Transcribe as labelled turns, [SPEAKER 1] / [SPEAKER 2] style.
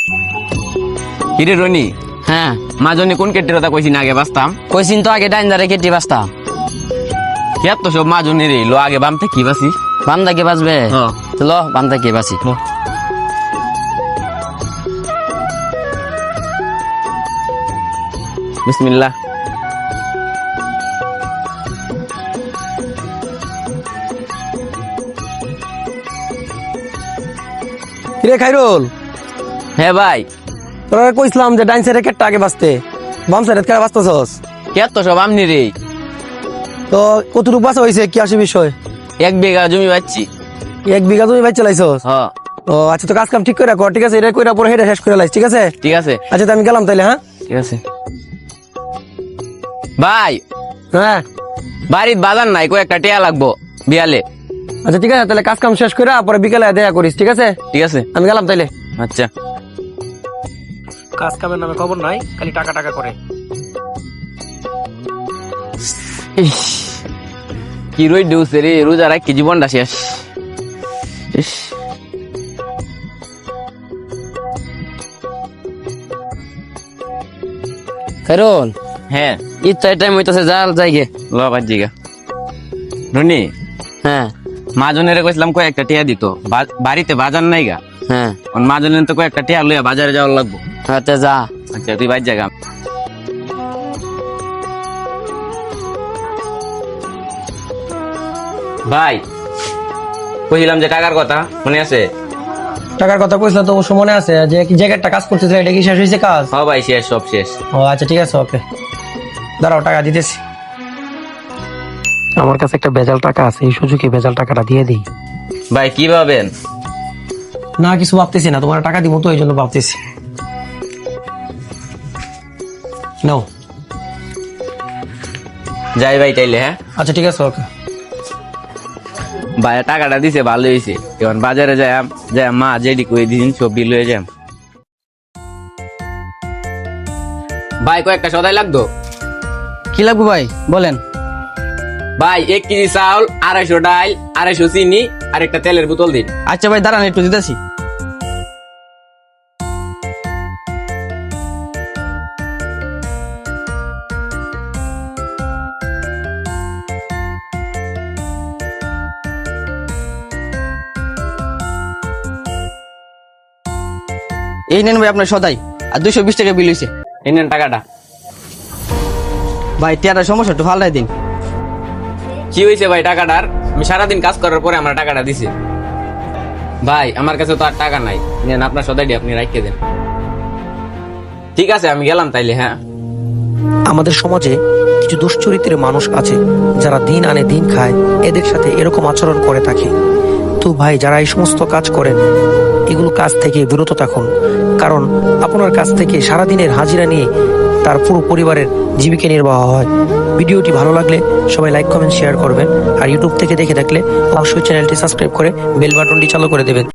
[SPEAKER 1] কিরে রনি,
[SPEAKER 2] হ্যাঁ
[SPEAKER 1] মাজনে কোন কেটের কথা কইছি না আগে বাঁচতাম?
[SPEAKER 2] কইছিন তো আগে ডাইন দারে কেটে বাঁচতাম।
[SPEAKER 1] কে তো সব মাজনের লো আগে বামতে কি বাসি?
[SPEAKER 2] বাম দাকে বাঁচবে
[SPEAKER 1] হ্যাঁ।
[SPEAKER 2] ল বাম দাকে বাঁচি।
[SPEAKER 1] বিসমিল্লাহ।
[SPEAKER 3] কিরে খাইরুল,
[SPEAKER 1] হ্যাঁ ভাই,
[SPEAKER 3] তোরা কইছিলাম যে ডাইন সাইডে কেটটা আগে বাঁচতে, বাম সাইডে কেটে বাঁচতেছস।
[SPEAKER 1] কে তো সব আমনি রে।
[SPEAKER 3] তো কতটুকু বাঁচা হয়েছে, কি আসে বিষয়?
[SPEAKER 1] 1 বিঘা জমি পাচ্ছি।
[SPEAKER 3] 1 বিঘা তুমি বাইর চালাইছস?
[SPEAKER 1] হ্যাঁ
[SPEAKER 3] ও আচ্ছা, তো কাজ কাম ঠিক করে কর, ঠিক আছে? এটা কইরা পরে হেডে শেষ করে লাইস, ঠিক আছে?
[SPEAKER 1] ঠিক আছে,
[SPEAKER 3] আচ্ছা, তো আমি গেলাম তাইলে। হ্যাঁ
[SPEAKER 1] ঠিক আছে ভাই।
[SPEAKER 3] হ্যাঁ
[SPEAKER 1] বাড়ির বাজার নাই, কই একটা টিয়া লাগবো বিয়ালে।
[SPEAKER 3] আচ্ছা ঠিক আছে, তাহলে কাজ কাম শেষ করে পরে বিকেলে দেখা করিস, ঠিক আছে?
[SPEAKER 1] ঠিক আছে,
[SPEAKER 3] আমি গেলাম তাইলে।
[SPEAKER 1] আচ্ছা।
[SPEAKER 3] কাজ কামের নামে খবর নাই, খালি টাকা টাকা করে।
[SPEAKER 1] ইস, কি রই দেউছে রে, রোজা রাখি জীবনটা শেষ। ইস,
[SPEAKER 2] খাইরুল,
[SPEAKER 1] হ্যাঁ
[SPEAKER 2] ইচ্ছা টাইম হইতাছে, জাল যাইগে।
[SPEAKER 1] ল বাজিগা। রনি,
[SPEAKER 2] হ্যাঁ
[SPEAKER 1] মাজনের কইছিলাম কই একটা টিয়া দিত, বাড়িতে বাজার নাই গা।
[SPEAKER 2] হ্যাঁ
[SPEAKER 1] মাজনের তো কই একটা টিয়া লইয়া বাজারে যাওয়ার লাগবো।
[SPEAKER 2] হাতে যা।
[SPEAKER 1] আচ্ছা তুই বাজ জায়গা। ভাই, কইছিলাম যে টাকার কথা মনে আছে?
[SPEAKER 3] টাকার কথা কইছিলাম তো, অবশ্য মনে আছে। যে কি জায়গাটা কাজ করতেছে, এটা কি শেষ হয়েছে কাজ?
[SPEAKER 1] হ্যাঁ ভাই, শেষ, সব শেষ।
[SPEAKER 3] ও আচ্ছা ঠিক আছে, ওকে দাঁড়াও, টাকা দিতেছি। আমার কাছে একটা ভেজাল টাকা আছে, এই সুযোগে ভেজাল টাকাটা দিয়ে দিই।
[SPEAKER 1] ভাই কি ভাবেন?
[SPEAKER 3] না কিছু ভাবতেছি না, তোমার টাকা দিব তো, এই জন্য ভাবতেছি। নাও।
[SPEAKER 1] যাই ভাই তাইলে। হ্যাঁ
[SPEAKER 3] আচ্ছা ঠিক আছে, ওকে।
[SPEAKER 1] ভাই টাকাটা দিছে, ভালো হয়েছে। এখন বাজারে যাই মা যেডি কই দিন সব বিল হয়ে যাম। ভাই কয়েকটা সদাই লাগতো।
[SPEAKER 2] কি লাগবে ভাই বলেন?
[SPEAKER 1] ভাই 1 কেজি চাউল, 250 ডাল, 250 চিনি আর একটা তেলের বোতল দিন।
[SPEAKER 2] আচ্ছা ভাই দাঁড়ান, একটু দিতেছি। এই নেন ভাই আপনার সদাই, আর 220 টাকা বিল হয়েছে।
[SPEAKER 1] এই নেন টাকাটা।
[SPEAKER 2] ভাই টিয়াটা সমস্যা, একটু ফালাই দিন।
[SPEAKER 1] কি হয়েছে ভাই টাকাটার? আমি সারাদিন কাজ করার পরে আমার টাকাটা দিছে। ভাই আমার কাছে তো আর টাকা নাই, নেন আপনার সদাইটি আপনি রাখিয়ে দেন। ঠিক আছে, আমি গেলাম তাইলে। হ্যাঁ,
[SPEAKER 3] আমাদের সমাজে কিছু দুশ্চরিত্রের মানুষ আছে যারা দিন আনে দিন খায়, এদের সাথে এরকম আচরণ করে থাকে। তো ভাই, যারা এই সমস্ত কাজ করেন, এগুলো কাজ থেকে বিরত থাকুন। কারণ আপনার কাছ থেকে সারাদিনের হাজিরা নিয়ে তার পুরো পরিবারের জীবিকা নির্বাহ হয়। ভিডিওটি ভালো লাগলে সবাই লাইক কমেন্ট শেয়ার করবেন, আর ইউটিউব থেকে দেখে থাকলে অবশ্যই চ্যানেলটি সাবস্ক্রাইব করে বেল বাটনটি চালু করে দেবেন।